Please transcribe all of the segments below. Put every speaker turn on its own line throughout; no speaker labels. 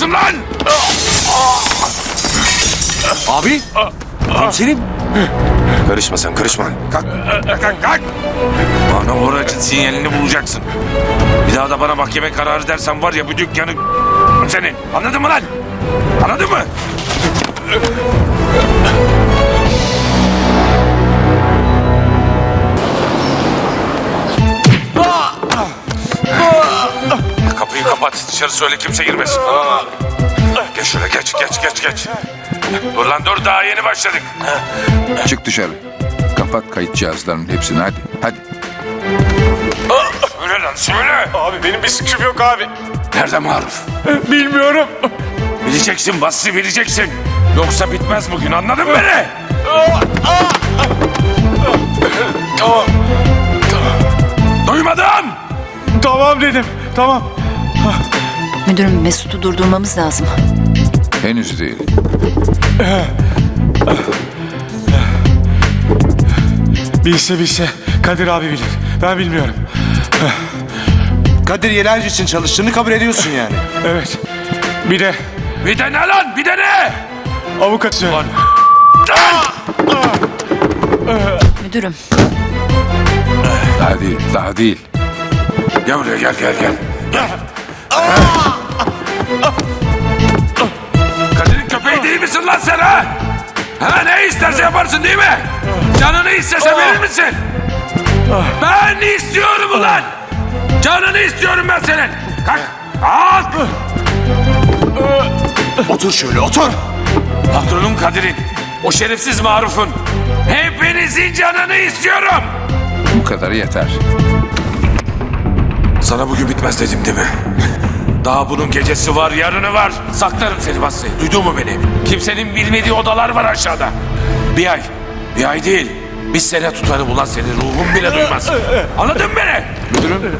mısın lan?
Abi. Komiserim.
Karışma sen, karışma. Kalk, kalk, kalk. Bana oracın sinyalini bulacaksın. Bir daha da bana mahkeme kararı dersen var ya bu dükkanı senin. Anladın mı lan? Anladın mı? Kapıyı kapat. Dışarı söyle kimse girmesin. Tamam abi. Geç şöyle geç. Dur lan dur daha yeni başladık.
Çık dışarı. Kapat kayıt cihazlarının hepsini hadi. Hadi.
Söyle lan söyle.
Abi benim bir suçum yok abi.
Nerede Maruf?
Bilmiyorum.
Bileceksin Basri bileceksin. Yoksa bitmez bugün anladın mı beni?
Tamam.
Duymadım.
Tamam dedim. Tamam.
Müdürüm, Mesut'u durdurmamız lazım.
Henüz değil.
Bilse Kadir abi bilir. Ben bilmiyorum.
Kadir Yelerci için çalıştığını kabul ediyorsun yani.
Evet. Bir de
Bir de ne lan bir de ne?
avukatı.
Lan.
Müdürüm,
Daha değil. Daha değil.
Gel buraya gel. Kadir'in köpeği değil misin lan sen ha? Ha ne isterse yaparsın değil mi? Canını istese verir misin? Ben istiyorum ulan. Canını istiyorum ben senin. Kalk. Kalk.
Otur şöyle otur.
Patronum Kadir'in, o şerefsiz Maruf'un hepinizin canını istiyorum.
Bu kadarı yeter.
Sana bugün bitmez dedim değil mi? Daha bunun gecesi var, yarını var. Saklarım seni Basri. Duydun mu beni? Kimsenin bilmediği odalar var aşağıda. Bir ay değil. Bir sene tutarım ulan seni. Ruhum bile duymaz. Anladın mı beni?
Müdürüm.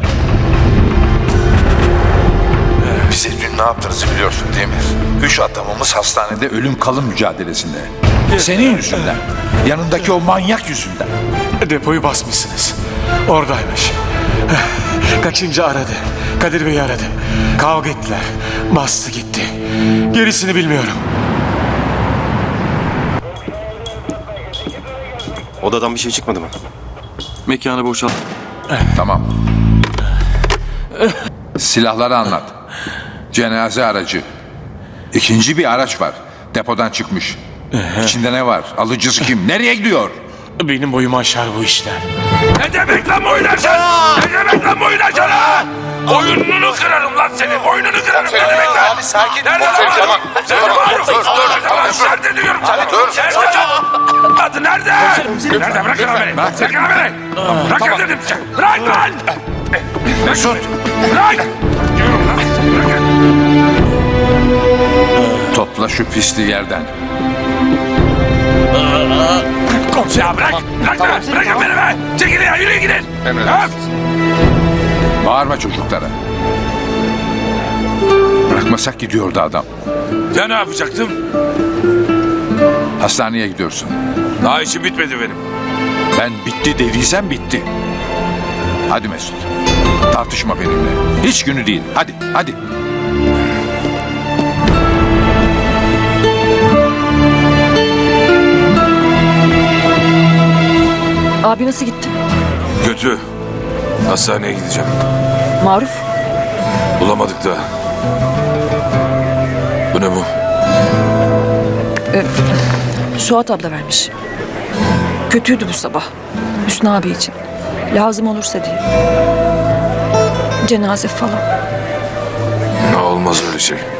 Bize dün ne yaptığınızı biliyorsun değil mi? 3 adamımız hastanede
Ölüm kalım mücadelesinde. Senin yüzünden. Yanındaki o manyak yüzünden.
Depoyu basmışsınız. Oradaymış. Kaçıncı aradı. Kadir Bey'i aradı. Kavga ettiler. Bastı gitti. Gerisini bilmiyorum.
Odadan bir şey çıkmadı mı?
Mekanı boşalt.
Tamam. Silahları anlat. Cenaze aracı. İkinci bir araç var. Depodan çıkmış. İçinde ne var? Alıcısı kim? Nereye gidiyor?
Benim boyumu aşar bu işler.
Ne demek lan boyun aşağı? Ne demek lan boyun aşağı? Boynunu kırarım lan senin. Boynunu kırarım. Ne demek lan?
Abi sakin.
Nerede lan? Nerede Maruf? Tamam nerede diyorum sana. Nerede? Adı nerede? Nerede? Bırakın lan beni. Bırakın lan beni. Bırakın dedim. Bırak lan. Mesut. Bırak. Diyorum lan. Bırakın.
Topla şu pisliği yerden.
Ya bırak. Bırakın beni be. Çekilin ya. Yürüyün gidin.
Bağırma çocuklara. Bırakmasak gidiyordu adam.
Ya ne yapacaktım?
Hastaneye gidiyorsun.
Daha işim bitmedi benim.
Ben bitti dediysem bitti. Hadi Mesut. Tartışma benimle. Hiç günü değil. Hadi.
abi nasıl gitti?
Kötü. Hastaneye gideceğim.
Maruf,
Bulamadık da. Bu ne bu?
Suat abla vermiş. Kötüydü bu sabah. Hüsnü abi için. Lazım olursa diye. Cenaze falan.
Olmaz öyle şey.